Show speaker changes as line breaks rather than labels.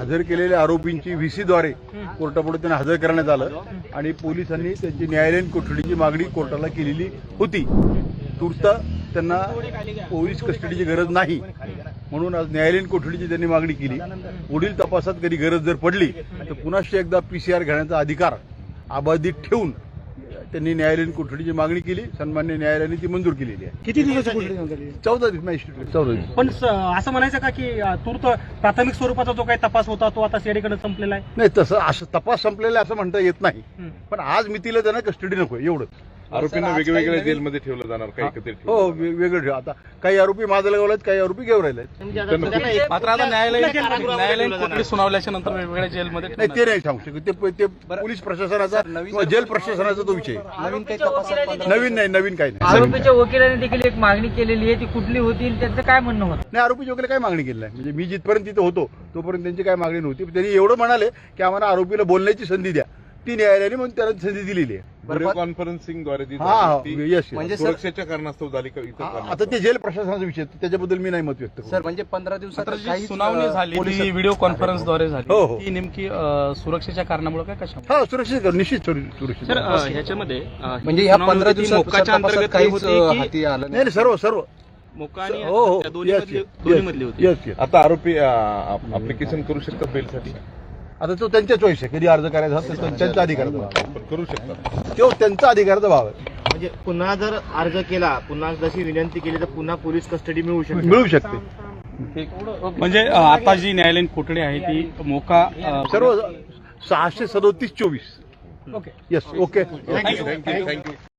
हजर केलेल्या आरोपींची व्हीसीद्वारे कोर्टापुढे त्यांना हजर करण्यात आलं आणि पोलिसांनी त्यांची न्यायालयीन कोठडीची मागणी कोर्टाला केलेली होती. तूर्त त्यांना पोलीस कस्टडीची गरज नाही म्हणून आज न्यायालयीन कोठडीची त्यांनी मागणी केली. पुढील तपासात कधी गरज जर पडली तर पुन्हा एकदा PCR घेण्याचा अधिकार अबाधित ठेवून त्यांनी न्यायालयीन कोठडीची मागणी केली. सन्मान्य न्यायालयाने ती मंजूर केलेली आहे.
किती दिवसाची कोठडी झाली?
14 दिवस मॅजिस्ट्रेट 14 दिवस.
पण असं म्हणायचं का की तूर्त प्राथमिक स्वरूपाचा जो काही तपास होता तो आता सीआयडीकडे संपलेला आहे?
नाही, तसं असं तपास संपलेला असं म्हणता येत नाही. पण आज मितीला त्यांना कस्टडी नको एवढंच.
आरोपींना वेगवेगळ्या जेलमध्ये ठेवलं जाणार काही एकत्रित
हो, वेगळं ठेव. आता काही आरोपी माजलगावला आहेत, काही आरोपी गेवरायला आहेत.
मात्र आता न्यायालयीन कोठडी सुनावल्याच्या नंतर वेगवेगळ्या जेलमध्ये
नाही, ते नाही सांगू शकत. ते पोलीस प्रशासनाचा किंवा जेल प्रशासनाचा तो विषय आहे. नवीन काही नाही.
आरोपीच्या वकिलाने देखील एक मागणी केलेली आहे, ती कुठली होती आणि त्यांचं काय म्हणणं होतं?
नाही, आरोपीच्या वगैरे काय मागणी केली नाही. म्हणजे मी जिथपर्यंत तिथे होतो तोपर्यंत त्यांची काय मागणी नव्हती. त्यांनी एवढं म्हणाले की आम्हाला आरोपीला बोलण्याची संधी द्या. ती न्यायालयाने म्हणून त्याला संधी दिलेली आहे.
व्हिडिओ कॉन्फरन्सिंगद्वारे
येस.
म्हणजे सुरक्षेच्या कारणास्तव झाली का इतर कारणास्तव?
आता ते जेल प्रशासनाचा विषय आहे, त्याच्याबद्दल मी नाही मत व्यक्त करू.
सर, म्हणजे 15 दिवसात
जी सुनावणी झाली ती व्हिडिओ कॉन्फरन्सद्वारे झाली.
हो, हो.
ती नेमकी सुरक्षेच्या कारणामुळे काय कशा?
हा, सुरक्षित निश्चित सुरक्षित.
ह्याच्यामध्ये
म्हणजे ह्या 15 दिवसात
मोक्काच्या अंतर्गत काही
काहीच
होती
हाती आलं
नाही, सर्व
मोक्का आणि
हो हो
दोन्ही मधली होती.
येस.
आता आरोपी अप्लिकेशन करू शकतात बेलसाठी?
आता तो त्यांच्या चॉईस आहे. कधी अर्ज करायचा तर त्यांचा अधिकाराचा भाग आहे.
पण करू शकतात.
तो त्यांचा अधिकाराचा भाग आहे.
म्हणजे पुन्हा जर अर्ज केला, पुन्हा जशी विनंती केली तर पुन्हा पोलीस कस्टडी मिळू शकते.
म्हणजे आता जी न्यायालयीन कोठडी आहे ती मोका
सर्व 637-24.
ओके.
येस. ओके.
थँक्यू.